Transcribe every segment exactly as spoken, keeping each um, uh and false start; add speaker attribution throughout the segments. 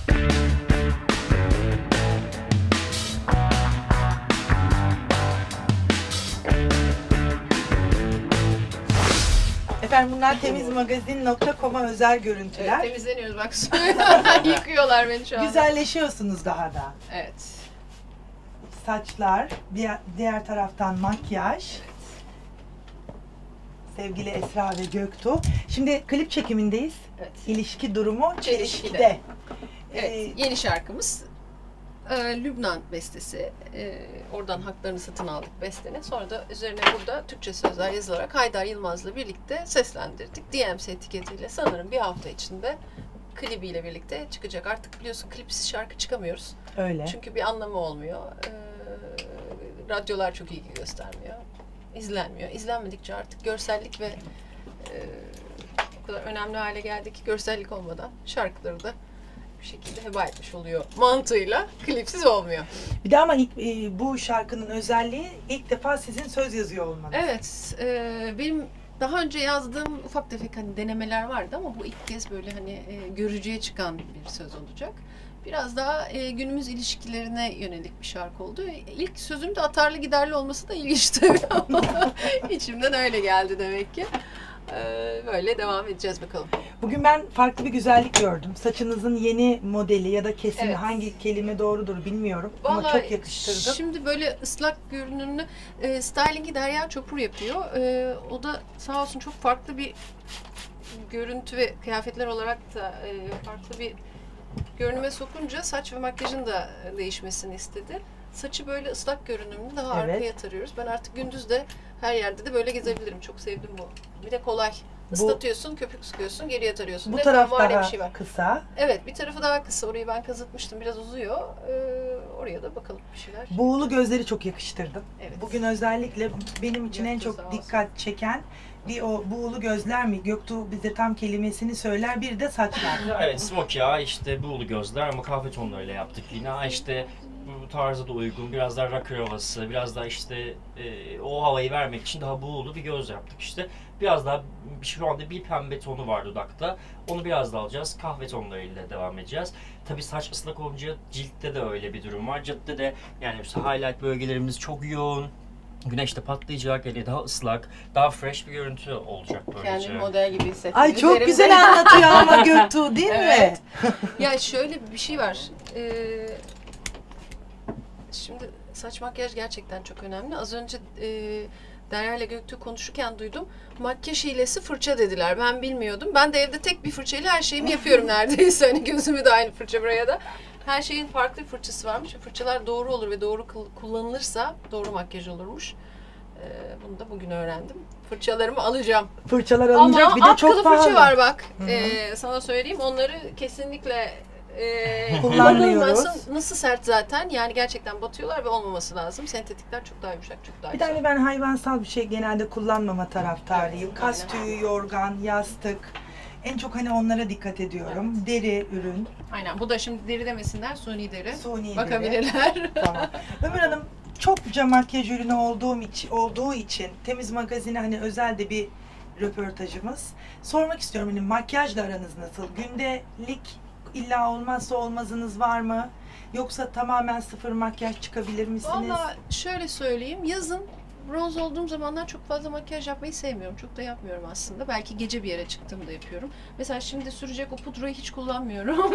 Speaker 1: Efendim bunlar temizmagazin nokta com'a özel görüntüler.
Speaker 2: Evet, temizleniyoruz bak. Yıkıyorlar beni şu anda.
Speaker 1: Güzelleşiyorsunuz daha da.
Speaker 2: Evet.
Speaker 1: Saçlar, diğer, diğer taraftan makyaj.
Speaker 2: Evet.
Speaker 1: Sevgili Esra ve Göktuğ. Şimdi klip çekimindeyiz.
Speaker 2: Evet.
Speaker 1: İlişki durumu çelişkide.
Speaker 2: Çelişkide. Evet,
Speaker 1: Ee,
Speaker 2: yeni şarkımız. Ee, Lübnan bestesi. Ee, oradan haklarını satın aldık bestenin. Sonra da üzerine burada Türkçe sözler yazılarak Haydar Yılmaz'la birlikte seslendirdik. D M S etiketiyle sanırım bir hafta içinde klibiyle birlikte çıkacak. Artık biliyorsun klipsiz şarkı çıkamıyoruz.
Speaker 1: Öyle.
Speaker 2: Çünkü bir anlamı olmuyor. Ee, radyolar çok ilgi göstermiyor. İzlenmiyor. İzlenmedikçe artık görsellik ve e, o kadar önemli hale geldi ki görsellik olmadan şarkıları da bir şekilde heba etmiş oluyor mantığıyla. Klipsiz olmuyor.
Speaker 1: Bir de ama ilk, e, bu şarkının özelliği ilk defa sizin söz yazıyor olmanız.
Speaker 2: Evet. E, benim daha önce yazdığım ufak tefek hani denemeler vardı ama bu ilk kez böyle hani e, görücüye çıkan bir söz olacak. Biraz daha e, günümüz ilişkilerine yönelik bir şarkı oldu. İlk sözüm de atarlı giderli olması da ilginç tabii ama içimden öyle geldi demek ki. Ee, böyle devam edeceğiz bakalım.
Speaker 1: Bugün ben farklı bir güzellik gördüm. Saçınızın yeni modeli ya da kesimi,
Speaker 2: Evet.
Speaker 1: hangi kelime doğrudur bilmiyorum.
Speaker 2: Vallahi
Speaker 1: ama çok yakıştırdım.
Speaker 2: Şimdi böyle ıslak görünümlü e, stylingi Derya Çopur yapıyor. E, o da sağ olsun çok farklı bir görüntü ve kıyafetler olarak da e, farklı bir görünüme sokunca saç ve makyajın da değişmesini istedi. Saçı böyle ıslak görünümlü daha
Speaker 1: Evet.
Speaker 2: arkaya tarıyoruz. Ben artık gündüz de her yerde de böyle gezebilirim. Çok sevdim bu. Bir de kolay. Islatıyorsun, köpük sıkıyorsun, geriye tarıyorsun.
Speaker 1: Bu
Speaker 2: Ne
Speaker 1: taraf
Speaker 2: fermuar ne
Speaker 1: daha
Speaker 2: bir şey var.
Speaker 1: kısa.
Speaker 2: Evet, bir tarafı daha kısa. Orayı ben kazıtmıştım. Biraz uzuyor. Ee, oraya da bakalım bir şeyler.
Speaker 1: Buğulu gözleri çok yakıştırdım.
Speaker 2: Evet.
Speaker 1: Bugün özellikle benim için en
Speaker 2: Göktuğ
Speaker 1: çok
Speaker 2: sağ olsun.
Speaker 1: dikkat çeken bir o buğulu gözler mi? Göktuğ bize tam kelimesini söyler. Bir de saçlar.
Speaker 3: Evet, smoky ya işte buğulu gözler ama kahve tonlarıyla yaptık yine. İşte bu tarza da uygun, biraz daha rocker havası, biraz daha işte e, o havayı vermek için daha buğulu bir göz yaptık işte. Biraz daha şu anda bir pembe tonu var dudakta. Onu biraz daha alacağız. Kahve tonlarıyla devam edeceğiz. Tabii saç ıslak olunca ciltte de öyle bir durum var. Ciltte de yani highlight bölgelerimiz çok yoğun. Güneşte patlayacak, yani daha ıslak, daha fresh bir görüntü olacak böylece.
Speaker 2: Kendimi model gibi hissettim.
Speaker 1: Ay çok
Speaker 2: Üzerimde-
Speaker 1: güzel anlatıyor ama Göktuğ değil
Speaker 2: Evet.
Speaker 1: mi?
Speaker 2: Ya şöyle bir şey var. Ee, şimdi saç makyaj gerçekten çok önemli. Az önce e, Derya ile Göktuğ konuşurken duydum. Makyaj hilesi fırça dediler. Ben bilmiyordum. Ben de evde tek bir fırçayla her şeyimi yapıyorum neredeyse. Hani gözümü de aynı fırça buraya da. Her şeyin farklı bir fırçası varmış. Fırçalar doğru olur ve doğru kullanılırsa doğru makyaj olurmuş. Ee, bunu da bugün öğrendim. Fırçalarımı alacağım.
Speaker 1: Fırçalar alınacak
Speaker 2: Ama
Speaker 1: bir de
Speaker 2: atkılı
Speaker 1: çok pahalı.
Speaker 2: fırça var bak.
Speaker 1: Hı hı.
Speaker 2: Ee, sana söyleyeyim. Onları kesinlikle e,
Speaker 1: Kullanmıyoruz.
Speaker 2: kullanılmasın. Nasıl sert zaten. Yani gerçekten batıyorlar ve olmaması lazım. Sentetikler çok daha yumuşak, çok daha
Speaker 1: Bir
Speaker 2: güzel.
Speaker 1: tane ben hayvansal bir şey genelde kullanmama taraftarıyım.
Speaker 2: Evet,
Speaker 1: Kas
Speaker 2: aynen.
Speaker 1: tüyü, yorgan, yastık. En çok hani onlara dikkat ediyorum. Deri ürün,
Speaker 2: Aynen. Bu da şimdi deri demesinler. Suni deri.
Speaker 1: suni deri.
Speaker 2: Bakabilirler.
Speaker 1: Tamam. Ömür Hanım çokça makyaj ürünü olduğum için, olduğu için Temiz Magazin'e hani özel de bir röportajımız. Sormak istiyorum hani makyajla aranız nasıl? Gündelik illa olmazsa olmazınız var mı? Yoksa tamamen sıfır makyaj çıkabilir misiniz?
Speaker 2: Valla şöyle söyleyeyim. Yazın bronz olduğum zamanlar çok fazla makyaj yapmayı sevmiyorum. Çok da yapmıyorum aslında. Belki gece bir yere çıktığımda yapıyorum. Mesela şimdi sürecek o pudrayı hiç kullanmıyorum.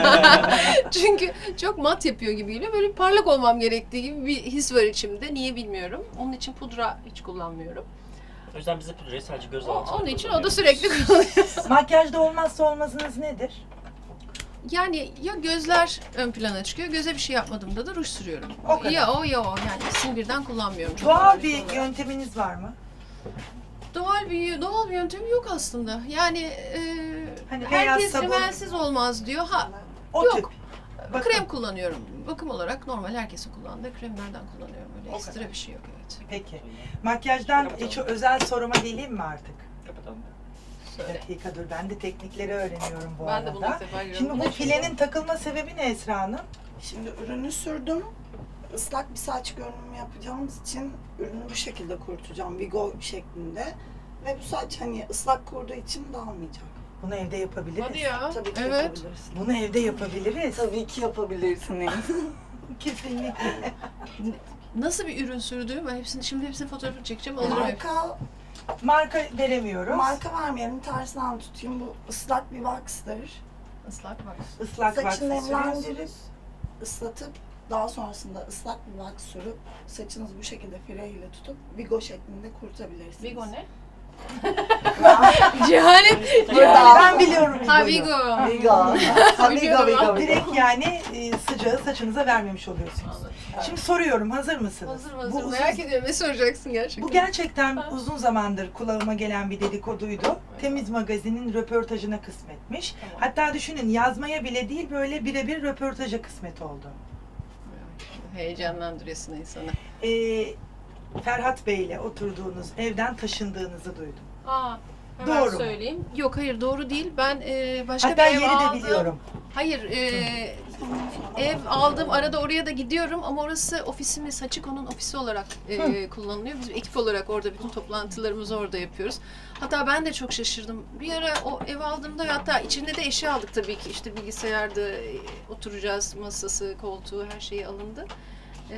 Speaker 2: Çünkü çok mat yapıyor gibi geliyor. Böyle parlak olmam gerektiği gibi bir his var içimde. Niye bilmiyorum. Onun için pudra hiç kullanmıyorum.
Speaker 3: O yüzden biz de pudrayı sadece göz
Speaker 2: O,
Speaker 3: altına
Speaker 2: onun için o da
Speaker 3: kullanıyoruz.
Speaker 2: sürekli kullanıyor.
Speaker 1: Makyajda olmazsa olmazınız nedir?
Speaker 2: Yani ya gözler ön plana çıkıyor. Göze bir şey yapmadığımda da ruj sürüyorum.
Speaker 1: O kadar.
Speaker 2: Ya o ya o. Yani ikisini birden kullanmıyorum. Çok
Speaker 1: Doğal
Speaker 2: narin
Speaker 1: bir
Speaker 2: olarak.
Speaker 1: yönteminiz var mı?
Speaker 2: Doğal bir doğal bir yöntemi yok aslında. Yani e,
Speaker 1: Hani beyaz
Speaker 2: herkes
Speaker 1: sabun-
Speaker 2: rimelsiz olmaz diyor. Ha,
Speaker 1: O
Speaker 2: Yok.
Speaker 1: tip. Bakın.
Speaker 2: krem kullanıyorum. Bakım olarak normal herkesin kullandığı kremlerden kullanıyorum. Öyle
Speaker 1: O
Speaker 2: ekstra
Speaker 1: kadar.
Speaker 2: bir şey yok, evet.
Speaker 1: Peki. Makyajdan hiç özel soruma geleyim mi artık?
Speaker 3: Kapatalım.
Speaker 1: Bir
Speaker 2: Söyle.
Speaker 1: dakika dur, ben de teknikleri öğreniyorum bu
Speaker 2: Ben
Speaker 1: arada.
Speaker 2: de bunu ilk defa görüyorum.
Speaker 1: Şimdi
Speaker 2: Bu
Speaker 1: bu
Speaker 2: ne
Speaker 1: filenin takılma sebebi ne Esra Hanım?
Speaker 4: Şimdi ürünü sürdüm. Islak bir saç görünümü yapacağımız için ürünü bu şekilde kurutacağım. Vigo şeklinde. Ve bu saç hani ıslak kurduğu için dağılmayacak.
Speaker 1: Bunu evde yapabiliriz.
Speaker 2: Hadi ya.
Speaker 4: Tabii ki
Speaker 2: Evet.
Speaker 4: yapabilirsin.
Speaker 1: Bunu evde yapabiliriz.
Speaker 4: Tabii ki yapabilirsiniz.
Speaker 1: Kesinlikle.
Speaker 2: Nasıl bir ürün sürdüğü? Ben hepsini şimdi hepsini fotoğrafını çekeceğim. Alırım hep.
Speaker 4: Marka,
Speaker 1: Marka veremiyoruz.
Speaker 4: marka vermeyelim, tersinden tutayım. Bu ıslak bir wax'tır.
Speaker 2: Islak var.
Speaker 1: Islak
Speaker 4: Saçını
Speaker 1: vaksı
Speaker 4: nemlendirip,
Speaker 1: sürüyorsunuz.
Speaker 4: ıslatıp, daha sonrasında ıslak bir wax sürüp, saçınızı bu şekilde fireyle tutup, vigo şeklinde kurutabilirsiniz.
Speaker 2: Vigo ne? Cehalet.
Speaker 1: Ben biliyorum
Speaker 2: Ha
Speaker 1: Vigo'yu.
Speaker 2: Vigo.
Speaker 4: Vigo. Ha, Vigo,
Speaker 2: Biliyordum
Speaker 4: Vigo,
Speaker 2: ben.
Speaker 4: Vigo.
Speaker 1: Direkt yani e, sıcağı saçınıza vermemiş oluyorsunuz.
Speaker 2: Anladım.
Speaker 1: Şimdi soruyorum, hazır mısınız?
Speaker 2: Hazır
Speaker 1: Bu
Speaker 2: hazır.
Speaker 1: uzun-
Speaker 2: Merak ediyorum. Ne soracaksın gerçekten?
Speaker 1: Bu gerçekten uzun zamandır kulağıma gelen bir dedikoduydu. Temiz Magazin'in röportajına kısmetmiş.
Speaker 2: Tamam.
Speaker 1: Hatta düşünün, yazmaya bile değil, böyle birebir röportaja kısmet oldu.
Speaker 2: Heyecanlandırıyorsun insanı.
Speaker 1: Ee, Ferhat Bey'le oturduğunuz evden taşındığınızı duydum.
Speaker 2: Aa, hemen
Speaker 1: Doğru mu?
Speaker 2: söyleyeyim. Yok hayır doğru değil. Ben e, başka
Speaker 1: Hatta
Speaker 2: bir ev
Speaker 1: yeri de
Speaker 2: aldım.
Speaker 1: biliyorum.
Speaker 2: Hayır, e, ev aldım. Arada oraya da gidiyorum ama orası ofisimiz, Hachiko'nun ofisi olarak e, kullanılıyor. Biz ekip olarak orada bütün toplantılarımızı orada yapıyoruz. Hatta ben de çok şaşırdım. Bir ara o ev aldığımda hatta içinde de eşya aldık tabii ki. İşte bilgisayarda e, oturacağız, masası, koltuğu her şeyi alındı. E,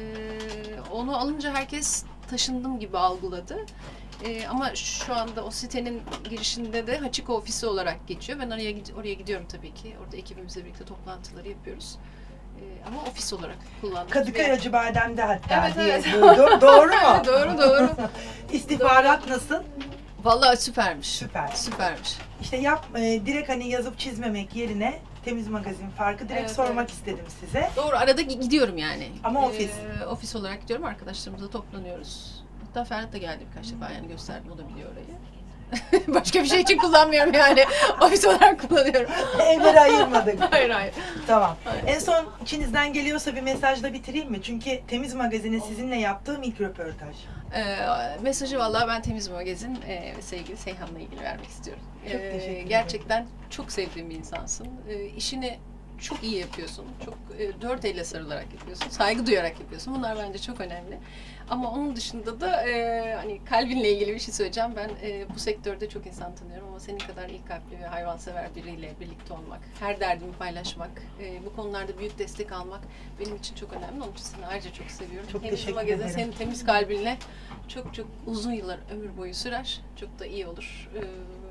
Speaker 2: onu alınca herkes taşındım gibi algıladı. Ee, ama şu anda o sitenin girişinde de Hachiko ofisi olarak geçiyor. Ben oraya oraya gidiyorum tabii ki. Orada ekibimizle birlikte toplantıları yapıyoruz. Ee, ama ofis olarak kullanıyoruz.
Speaker 1: Kadıköy
Speaker 2: Ve-
Speaker 1: Acıbadem'de hatta
Speaker 2: Evet,
Speaker 1: diye
Speaker 2: evet.
Speaker 1: duydum. Doğru mu?
Speaker 2: doğru doğru.
Speaker 1: İstihbarat nasıl?
Speaker 2: Vallahi süpermiş.
Speaker 1: Süper.
Speaker 2: Süpermiş.
Speaker 1: İşte yap, e, direkt hani yazıp çizmemek yerine Temiz Magazin farkı direkt
Speaker 2: Evet,
Speaker 1: sormak
Speaker 2: evet.
Speaker 1: istedim size.
Speaker 2: Doğru arada gi- gidiyorum yani.
Speaker 1: Ama ofis.
Speaker 2: Ee, ofis olarak gidiyorum. Arkadaşlarımızla toplanıyoruz. Hatta Ferhat da geldi birkaç defa yani gösterdim. O da biliyor orayı. Başka bir şey için kullanmıyorum yani. Ofis olarak kullanıyorum.
Speaker 1: Evleri ayırmadık.
Speaker 2: Hayır hayır.
Speaker 1: Tamam.
Speaker 2: Hayır.
Speaker 1: En son içinizden geliyorsa bir mesajla bitireyim mi? Çünkü Temiz Magazin'in sizinle yaptığım ilk röportaj.
Speaker 2: Ee, mesajı vallahi ben Temiz Magazin e, ve sevgili Seyhan'la ilgili vermek istiyorum.
Speaker 1: Çok teşekkür ederim.
Speaker 2: Gerçekten çok sevdiğim bir insansın. Ee, işini çok iyi yapıyorsun. Çok e, dört elle sarılarak yapıyorsun. Saygı duyarak yapıyorsun. Bunlar bence çok önemli. Ama onun dışında da e, hani kalbinle ilgili bir şey söyleyeceğim. Ben e, bu sektörde çok insan tanıyorum ama senin kadar iyi kalpli ve hayvansever biriyle birlikte olmak, her derdimi paylaşmak, e, bu konularda büyük destek almak benim için çok önemli. Onun için seni ayrıca çok seviyorum.
Speaker 1: Çok
Speaker 2: Temiz
Speaker 1: teşekkür
Speaker 2: Magazin
Speaker 1: ederim.
Speaker 2: senin temiz kalbinle çok çok uzun yıllar ömür boyu sürer. Çok da iyi olur. Ee,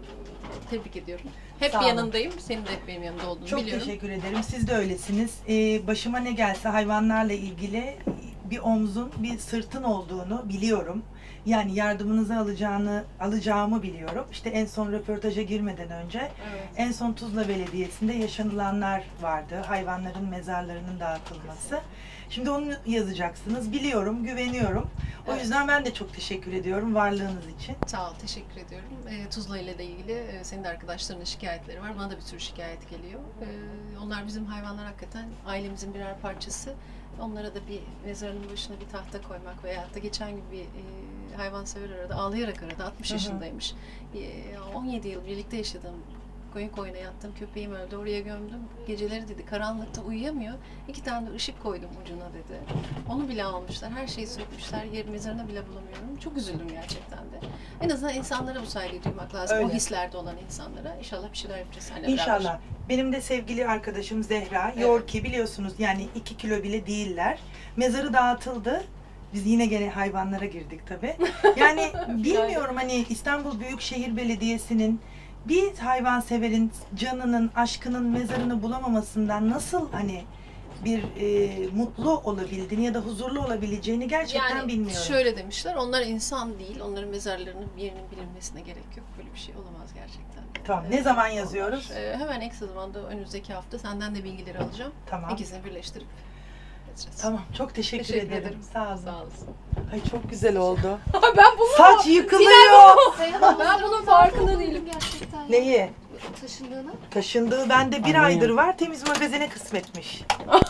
Speaker 2: tebrik ediyorum. Hep
Speaker 1: Sağ olun.
Speaker 2: yanındayım. Senin de hep benim yanımda olduğunu
Speaker 1: Çok
Speaker 2: biliyorum.
Speaker 1: teşekkür ederim. Siz de öylesiniz. Ee, başıma ne gelse hayvanlarla ilgili bir omzun, bir sırtın olduğunu biliyorum. Yani yardımınızı alacağını, alacağımı biliyorum. İşte en son röportaja girmeden önce
Speaker 2: Evet.
Speaker 1: en son Tuzla Belediyesi'nde yaşanılanlar vardı. Hayvanların mezarlarının dağıtılması. Şimdi onu yazacaksınız. Biliyorum, güveniyorum. O
Speaker 2: Evet.
Speaker 1: yüzden ben de çok teşekkür ediyorum varlığınız için.
Speaker 2: Sağ ol, teşekkür ediyorum. Ee, Tuzla ile de ilgili e, senin de arkadaşlarının şikayetleri var. Bana da bir sürü şikayet geliyor. Ee, onlar bizim hayvanlar hakikaten ailemizin birer parçası. Onlara da bir mezarının başına bir tahta koymak veya da geçen gün bir e, hayvansever aradı, ağlayarak aradı. altmış
Speaker 1: Hı hı.
Speaker 2: yaşındaymış. E, on yedi yıl birlikte yaşadım. Koyun koyuna yattım, köpeğim öldü, oraya gömdüm. Geceleri dedi karanlıkta uyuyamıyor. İki tane de ışık koydum ucuna dedi. Onu bile almışlar, her şeyi sökmüşler, yer mezarını bile bulamıyorum. Çok üzüldüm gerçekten de. En azından insanlara bu saygıyı duymak lazım.
Speaker 1: Öyle.
Speaker 2: O hislerde olan insanlara. İnşallah bir şeyler yapacağız seninle beraber.
Speaker 1: İnşallah. Benim de sevgili arkadaşım Zehra,
Speaker 2: Evet.
Speaker 1: Yorki biliyorsunuz yani iki kilo bile değiller. Mezarı dağıtıldı. Biz yine gene hayvanlara girdik tabii. Yani bilmiyorum hani İstanbul Büyükşehir Belediyesi'nin bir hayvanseverin canının, aşkının mezarını bulamamasından nasıl hani bir e, mutlu olabildiğini ya da huzurlu olabileceğini gerçekten
Speaker 2: Yani
Speaker 1: bilmiyorum.
Speaker 2: şöyle demişler, onlar insan değil, onların mezarlarının bir yerinin bilinmesine gerek yok. Böyle bir şey olamaz gerçekten.
Speaker 1: Tamam,
Speaker 2: Ee,
Speaker 1: ne zaman
Speaker 2: onlar,
Speaker 1: yazıyoruz?
Speaker 2: e, hemen en kısa zamanda önümüzdeki hafta senden de bilgileri alacağım.
Speaker 1: Tamam.
Speaker 2: İkisini birleştirip yazacağız.
Speaker 1: Tamam, çok teşekkür,
Speaker 2: Teşekkür
Speaker 1: ederim.
Speaker 2: ederim.
Speaker 1: Sağ olun.
Speaker 2: Sağ olasın.
Speaker 1: Ay çok güzel oldu.
Speaker 2: ben bunu
Speaker 1: Saç yıkılıyor.
Speaker 2: ben bunun farkında değilim.
Speaker 5: Gerçekten.
Speaker 1: Neyi?
Speaker 5: Taşındığını.
Speaker 1: Taşındığı bende bir
Speaker 3: Anlayın.
Speaker 1: aydır var. Temiz Magazin'e kısmetmiş.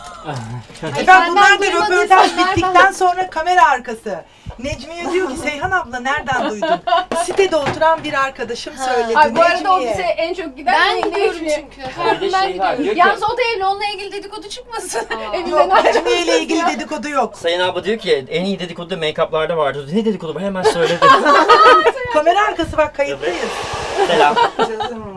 Speaker 5: Hayır,
Speaker 1: Efendim
Speaker 5: benden
Speaker 1: bunlar da
Speaker 5: duymadıysan
Speaker 1: röportaj
Speaker 5: nereden-
Speaker 1: bittikten sonra kamera arkası. Necmiye diyor ki Seyhan abla nereden duydun? Sitede oturan bir arkadaşım söyledi.
Speaker 2: Ay, bu arada
Speaker 1: Necmiye.
Speaker 2: ofise en çok giden
Speaker 5: Ben
Speaker 2: Necmiye.
Speaker 5: gidiyorum çünkü.
Speaker 3: Bir de
Speaker 5: Ben
Speaker 3: şey var,
Speaker 5: gidiyorum.
Speaker 3: diyor ki,
Speaker 2: Yalnız o da evli, onunla ilgili dedikodu çıkmasın. Evinden
Speaker 1: Yok
Speaker 2: ayrı-
Speaker 1: Necmiye ile ilgili dedikodu yok.
Speaker 3: Sayın abla diyor ki en iyi dedikodu da make-up'larda vardı. Ne dedikodu var hemen söyledi.
Speaker 1: Kamera arkası bak kayıttayız.
Speaker 3: Selam.
Speaker 4: Canım